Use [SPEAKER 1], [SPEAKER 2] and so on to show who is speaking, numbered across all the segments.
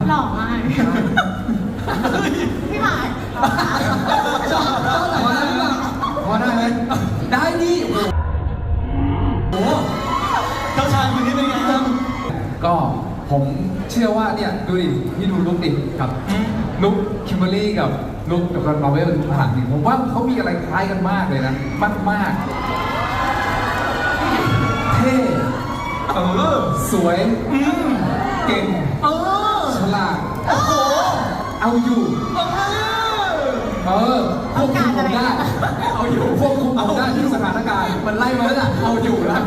[SPEAKER 1] หล่อมากพี่หมาย
[SPEAKER 2] พอได้ไหมได้ดิโอ้โห
[SPEAKER 3] เจ้าชายคนนี้เป็นไงครับ
[SPEAKER 2] ก็ผมเชื่อว่าเนี่ยดูดิพี่ดูลุคดิกับลุคคิมเบอร์รี่กับลุคกับมาร์เวลทุกผ่านดิผมว่าเขามีอะไรคล้ายกันมากเลยนะมากเท่สวยเก่งฉลาดเอาอยู่ควบคุมผมได้เอาอยู่ควบคุมผมได้ที่สถานการณ์มันไล่มาแล้วล่ะเอาอยู่แล้ว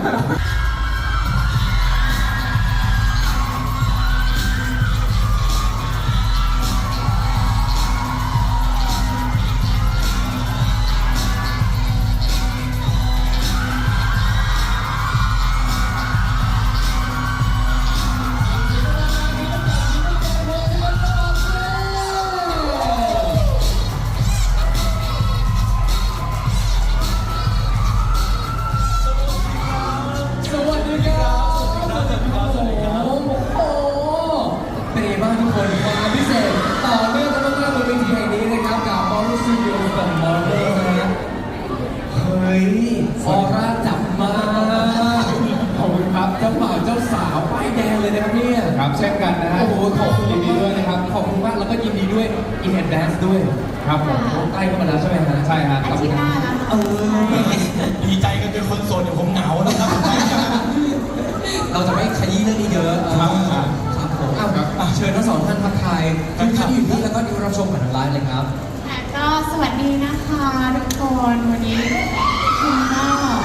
[SPEAKER 2] ออร่าจับมาขอบคุณครับเจ้าบ่าวเจ้าสาวป้ายแดงเลยนะครับเนี่ยครับเช่นกันนะฮะโอ้โหขอบคุณยินดีด้วยนะครับขอบคุณมากแล้วก็ยินดีด้วยอินแอนแดนซ์ด้วยครับผมใกล้เข้ามาแล้วใช่ไหมฮะใช่ฮะ
[SPEAKER 1] อาทิตย์หน้านะ
[SPEAKER 3] ดีใจกันเป็นคนโสดเดี๋ยวผมเหงานะครับ
[SPEAKER 2] เราจะไม่ขยี้เรื่องนี้เยอะครับผมเชิญทั้งสองท่านทักทายทุกท่านอยู่ที่แล้วก็ดูรับชมผ่านทางไลน์เลยครับ
[SPEAKER 1] ก็สวัสดีนะคะทุกคนวันนี้คุณก็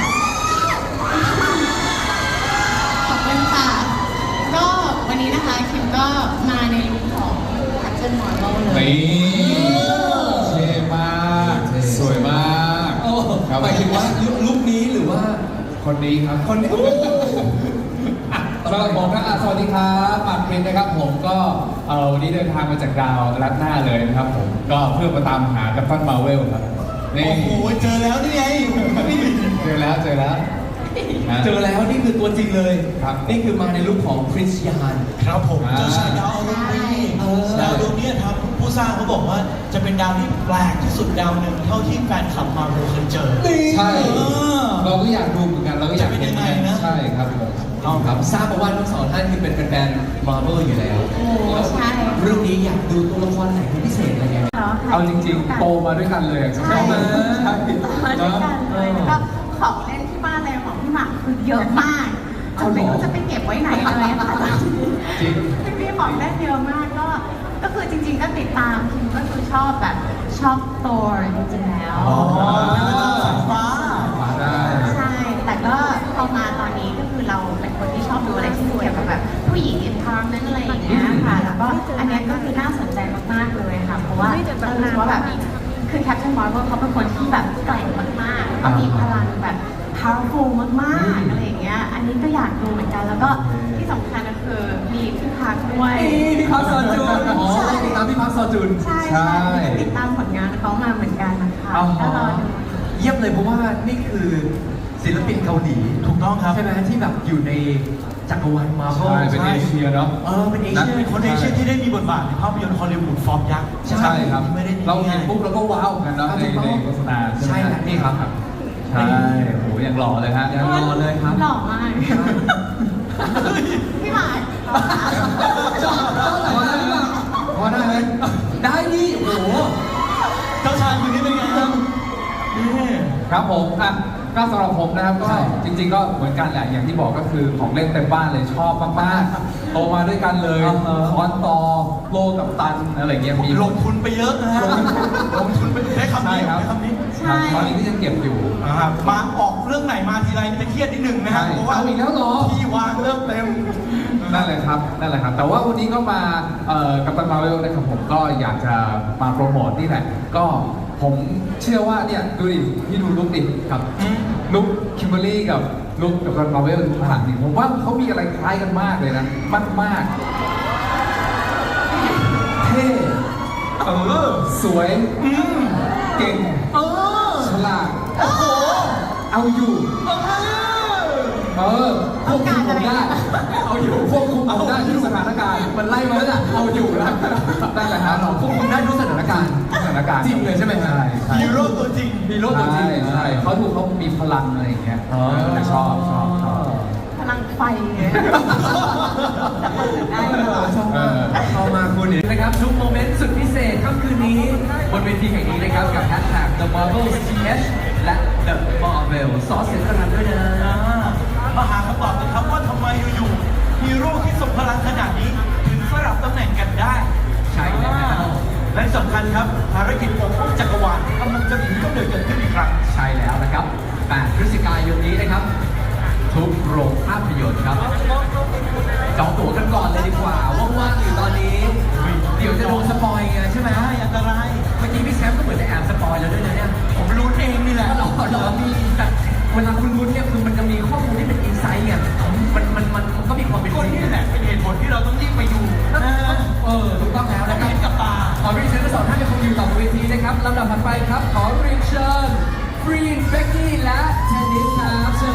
[SPEAKER 1] ขอบคุณค่ะก็วันนี้นะคะคิมก็มาในลุคของแคปชั่นหมอนเราเลย
[SPEAKER 2] เท่มากสวยมากหมายถึงว่าลุคนี้หรือว่าคนนี้ครับคนนี้เราบอกนะสวัสดีครับปากเพลนนะครับผมก็วันนี้เดินทางมาจากดาวรัดหน้าเลยนะครับผมก็เพื่อมาตามหากัปตันมาร์เวลครับ
[SPEAKER 3] โอ้โหเจอแล้วนี่ไง
[SPEAKER 2] เจอแล้วนี่คือตัวจริงเลยครับนี่คือมาในลุคของคริสยาน
[SPEAKER 3] ครับผมเจ้าชายดาวดวงนี้ดาวดวงนี้ครับผู้สร้างเขาบอกว่าจะเป็นดาวที่แปลกที่สุดดาวหนึ่งเท่าที่แฟนคลับมาร์เวลเคยเจอ
[SPEAKER 2] ใช่เราก็อยากดูเหมือนกันเราก็อยาก
[SPEAKER 3] เป็นยังไงนะ
[SPEAKER 2] ใช่ครับผมครับทราบมาว่าทั้งสองท่านคือเป็นแฟนมาร์เวลอยู่แล้ว
[SPEAKER 1] ใช่
[SPEAKER 2] เรื่องนี้อยากดูตัวละครไหนเป็นพิเศษอะไรเงี้ยเอาจริงๆโตมาด้วยกันเลย
[SPEAKER 1] ใช่มาด้วยกันเลยแล้วก็ของเล่นที่บ้านเลยของพี่หมากคือเยอะมากจนไม่รู้จะไปเก็บไว้ไหนเลยค่ะ
[SPEAKER 2] จริง
[SPEAKER 1] พี่ของเล่นเยอะมากก็คือจริงๆก็ติดตามคิมก็คือชอบแบบชอบตัวจริงๆแล้ว
[SPEAKER 3] ฟ้า
[SPEAKER 1] ใช่แต่ก็พอมาตอนนี้ก็คือเราเป็นคนที่ชอบดูอะไรที่เกี่ยวกับแบบผู้หญิงอินทาร์นั่นอะไรอย่างเงี้ยค่ะแล้วก็อันนี้ก็คือน่าสนใจมากๆเลยค่ะเพราะว่าเรารู้สึกว่าแบบคือแคปชั่นมาร์เวลเขาเป็นคนที่แบบแกร่งมากๆแล้วมีพลังแบบ powerful มากๆอะไรอย่างเงี้ยอันนี้ก็อยากดูเหมือนกันแล้วก็ที่สำคัญก็คือมีพี่พักด้วย
[SPEAKER 2] พี่พักซอจุนติดตามพี่พักซอจุน
[SPEAKER 1] ใช่ติดตามผลงานเขามาเหมือนกันนะคะก็รอดู
[SPEAKER 2] เยี่ยมเลยเพราะว่านี่คือศิลปินเกาหลี
[SPEAKER 3] ถูกต้องครับ
[SPEAKER 2] ใช่ไหมที่แบบอยู่ในจักรวาลมาร์เวลเป็นเอเชียเนาะ
[SPEAKER 3] เป็นเอเชียเป็นคนเอเชียที่ได้มีบทบาทในภาพยนตร์ฮอลลีวูดฟอร์มยักษ์
[SPEAKER 2] ใช่ครับเราเห็นปุ๊บเราก็ว้าวกันเนาะในโฆษณาใช่นี่ครับใช่โหยังหล่อเลยฮะยังหล่อเลยครับ
[SPEAKER 1] หล่อมากพี่หมาย
[SPEAKER 2] พอได้ไหมได้ดิโอ้โห
[SPEAKER 3] เจ้าชายคนนี้เป็นไงครับ
[SPEAKER 2] ครับผมก็สำหรับผมนะครับก็จริงๆก็เหมือนกันแหละอย่างที่บอกก็คือของเล่นเต็มบ้านเลยชอบมากๆโตมาด้วยกันเลยคอนต่อโลกับตันอะไรเงี้ยมี
[SPEAKER 3] ลงทุนไปเยอะนะฮะลงทุนไปได้คำนี้
[SPEAKER 2] คำนี้ตอนนี้ก็ยังเก็บอยู่
[SPEAKER 3] มาออกเรื่องไหนมาทีไรจะเครียดนิดหนึ่งนะฮะ
[SPEAKER 2] เพราะว่าอีกแล้วหรอ
[SPEAKER 3] ที่วางเริ่มเต็ม
[SPEAKER 2] นั่นแหละครับแต่ว่าวันนี้ก็มากัปตันมาร์เวลนะครับผมก็อยากจะมาโปรโมทนี่แหละก็ผมเชื่อว่าเนี่ยดูดิพี่ดูลุคดิกับลุคคิมเบอร์รี่กับลุคกับมาร์เวลทุกผ่านดิผมว่าเขามีอะไรคล้ายกันมากเลยนะมากเท่สวยเก่งฉลาดเอาอยู่ควบคุมผมได้เอาอยู่ควบคุมผมได้ที่สถานการณ์
[SPEAKER 4] มันไล่มาแล้วล่ะเอาอยู่แล้วนั่นแหละครับเราควบคุมได้ทุกสถานการณ์จริงเลยใช่ไหมฮะ
[SPEAKER 3] ฮีโร่ตัวจริง
[SPEAKER 4] ฮีโร่ตัวจริงใช่เขาดูเขามีพลังอะไรอย่างเงี้ยชอบ
[SPEAKER 1] พลังไฟไงได้เลย
[SPEAKER 4] เข้ามาคุณนะครับทุกโมเมนต์สุดพิเศษค่ำคืนนี้บนเวทีแห่งนี้นะครับกับแฮชแท็ก The Marvel TH และ The Marvel ซอสเสียงกระนั้นด้วยนะ
[SPEAKER 3] มาหาคำตอบกันครับว่าทำไมอยู่ๆฮีโร่ที่ทรงพลังขนาดนี้ ถึงสลับตำแหน่งกันได้
[SPEAKER 4] ใช่แล้ว
[SPEAKER 3] และสำคัญครับภารกิจปกป้องจักรวาลกำลังจะถึงกำเนิดเกิดขึ้นอีกครั้ง
[SPEAKER 4] ใช่แล้วนะครับ 8 พฤศจิกายนนี้นะครับ ทุกโรงภาพยนตร์ครับ จองตั๋วกันก่อนเลยดีกว่าว่างๆอยู่ตอนนี้ เดี๋ยวจะโดนสปอยไงใช่ไหม
[SPEAKER 3] ใช่อันตราย
[SPEAKER 4] เมื่อกี้พี่แซมก็เหมือนจะแอบสปอยแล้วด้วยนะเนี่ย
[SPEAKER 3] ผมรู้เองนี่แหละ
[SPEAKER 4] หรอมีแต่เวลาคุณรู้เนี่ยคือมันจะมีข้อมูลที่เป็นอินไซต์ไงมันก็มีความเป็น
[SPEAKER 3] ก็
[SPEAKER 4] จริง
[SPEAKER 3] นี่แหละเป็นเหตุผลที่เราต้องรีบไปดูนะ
[SPEAKER 4] ถูกต้องแล้ว
[SPEAKER 3] ต้อ
[SPEAKER 4] นะ
[SPEAKER 3] ง
[SPEAKER 4] ครับ
[SPEAKER 3] เห็นกับตา
[SPEAKER 4] ขอเรียนเชิญทั้งสองท่านยังคงอยู่ต่อบนเวทีนะครับลำดับถัดไปครับ ขอเรียนเชิญฟรีนเบกกี้และเทนนิสครับเชิญ